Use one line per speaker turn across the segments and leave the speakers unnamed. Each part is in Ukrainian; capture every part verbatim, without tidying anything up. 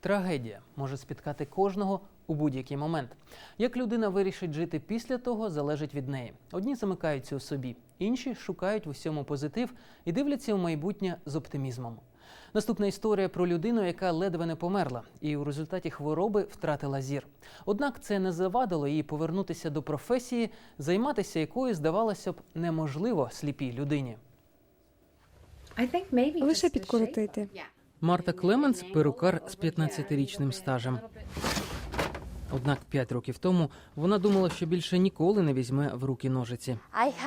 Трагедія може спіткати кожного у будь-який момент. Як людина вирішить жити після того, залежить від неї. Одні замикаються у собі, інші шукають в усьому позитив і дивляться у майбутнє з оптимізмом. Наступна історія про людину, яка ледве не померла і у результаті хвороби втратила зір. Однак це не завадило їй повернутися до професії, займатися якою, здавалося б, неможливо сліпій людині.
Лише підкоротити.
Марта Клеменс – перукар з п'ятнадцятирічним стажем. Однак п'ять років тому вона думала, що більше ніколи не візьме в руки ножиці.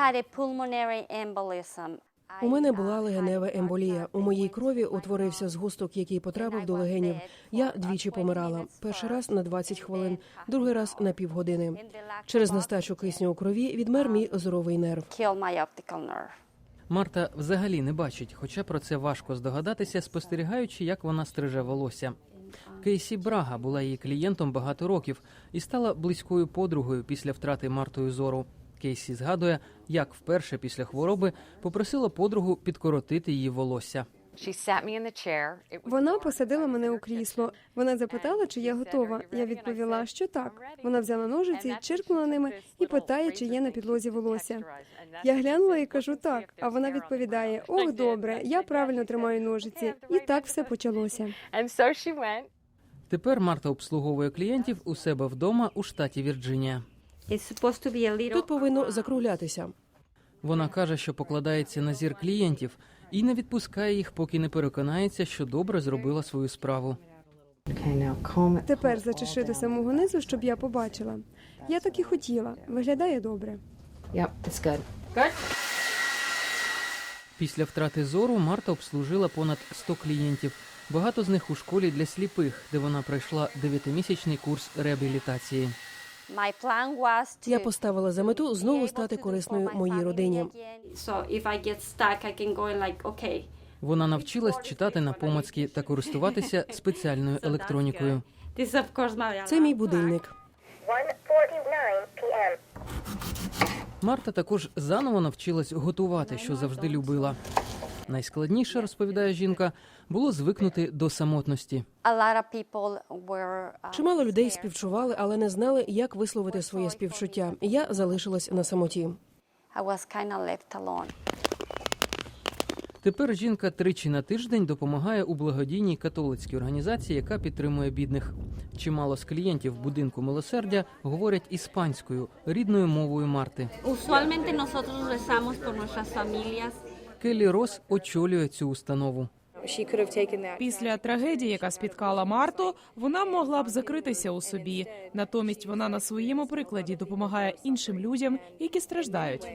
У мене була легенева емболія. У моїй крові утворився згусток, який потрапив до легенів. Я двічі помирала. Перший раз на двадцять хвилин, другий раз на півгодини. Через нестачу кисню у крові відмер мій зоровий нерв.
Марта взагалі не бачить, хоча про це важко здогадатися, спостерігаючи, як вона стриже волосся. Кейсі Брага була її клієнтом багато років і стала близькою подругою після втрати Мартою зору. Кейсі згадує, як вперше після хвороби попросила подругу підкоротити її волосся.
Вона посадила мене у крісло. Вона запитала, чи я готова. Я відповіла, що так. Вона взяла ножиці, чиркнула ними і питає, чи є на підлозі волосся. Я глянула і кажу так, а вона відповідає: ох, добре, я правильно тримаю ножиці. І так все почалося.
Тепер Марта обслуговує клієнтів у себе вдома у штаті Вірджинія.
Тут повинно закруглятися.
Вона каже, що покладається на зір клієнтів і не відпускає їх, поки не переконається, що добре зробила свою справу.
Тепер зачеши до самого низу, щоб я побачила. Я так і хотіла. Виглядає добре.
Після втрати зору Марта обслужила понад сто клієнтів. Багато з них у школі для сліпих, де вона пройшла дев'ятимісячний курс реабілітації.
Я поставила за мету знову стати корисною моїй родині.
Вона навчилась читати напомацьки та користуватися спеціальною електронікою.
Це мій будильник.
Марта також заново навчилась готувати, що завжди любила. Найскладніше, розповідає жінка, було звикнути до самотності.
Чимало людей співчували, але не знали, як висловити своє співчуття. Я залишилась на самоті.
Тепер жінка тричі на тиждень допомагає у благодійній католицькій організації, яка підтримує бідних. Чимало з клієнтів будинку милосердя говорять іспанською, рідною мовою Марти. Келлі Рос очолює цю установу.
Після трагедії, яка спіткала Марту, вона могла б закритися у собі. Натомість вона на своєму прикладі допомагає іншим людям, які страждають.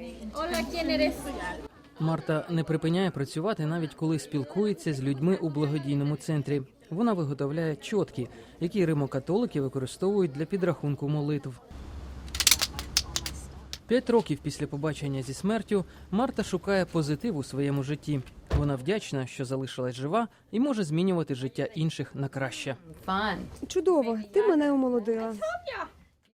Марта не припиняє працювати, навіть коли спілкується з людьми у благодійному центрі. Вона виготовляє чотки, які римокатолики використовують для підрахунку молитв. П'ять років після побачення зі смертю Марта шукає позитив у своєму житті. Вона вдячна, що залишилась жива і може змінювати життя інших на краще.
Чудово, ти мене омолодила.